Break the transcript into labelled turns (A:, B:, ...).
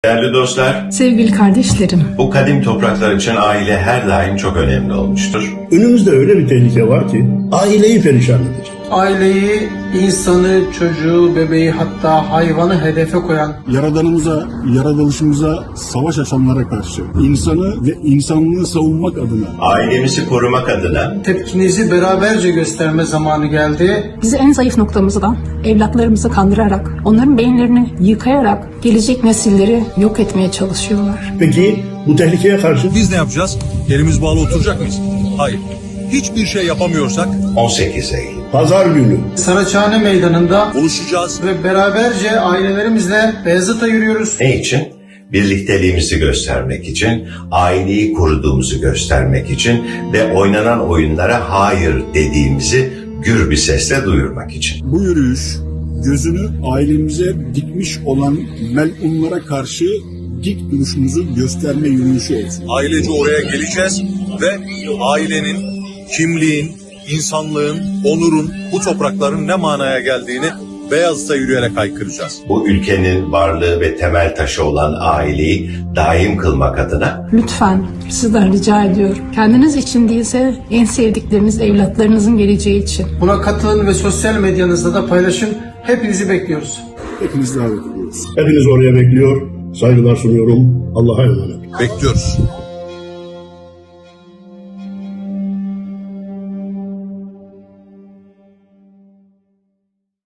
A: Değerli dostlar,
B: Sevgili kardeşlerim,
A: bu kadim topraklar için aile her daim çok önemli olmuştur.
C: Önümüzde öyle bir tehlike var ki aileyi perişan edecek.
D: Aileyi, insanı, çocuğu, bebeği hatta hayvanı hedefe koyan,
E: Yaradanımıza, yaratılışımıza savaş açanlara karşı insanı ve insanlığı savunmak adına
A: Ailemizi korumak adına
D: tepkinizi beraberce gösterme zamanı geldi.
B: bizi en zayıf noktamızdan evlatlarımızı kandırarak, onların beyinlerini yıkayarak gelecek nesilleri yok etmeye çalışıyorlar.
C: Peki bu tehlikeye karşı
F: Biz ne yapacağız? Elimiz bağlı oturacak mıyız? Hayır. Hiçbir şey yapamıyorsak
A: 18 Eylül.
C: pazar günü
D: Saraçhane Meydanı'nda
F: buluşacağız.
D: ve beraberce ailelerimizle Beyazıt'a yürüyoruz.
A: Ne için? Birlikteliğimizi göstermek için, aileyi koruduğumuzu göstermek için ve oynanan oyunlara hayır dediğimizi gür bir sesle duyurmak için.
E: bu yürüyüş gözünü ailemize dikmiş olan melunlara karşı dik duruşumuzu gösterme yürüyüşü olsun.
F: Ailece oraya geleceğiz ve ailenin, kimliğin, insanlığın, onurun, bu toprakların ne manaya geldiğini Beyazıt'a yürüyerek haykıracağız.
A: Bu ülkenin varlığı ve temel taşı olan aileyi daim kılmak adına
B: Lütfen sizden rica ediyorum. Kendiniz için değilse en sevdikleriniz evlatlarınızın geleceği için.
D: Buna katılın ve sosyal medyanızda da paylaşın. Hepinizi bekliyoruz.
E: Hepiniz davet ediyoruz.
C: hepiniz oraya bekliyor. Saygılar sunuyorum. Allah'a emanet.
F: Bekliyoruz.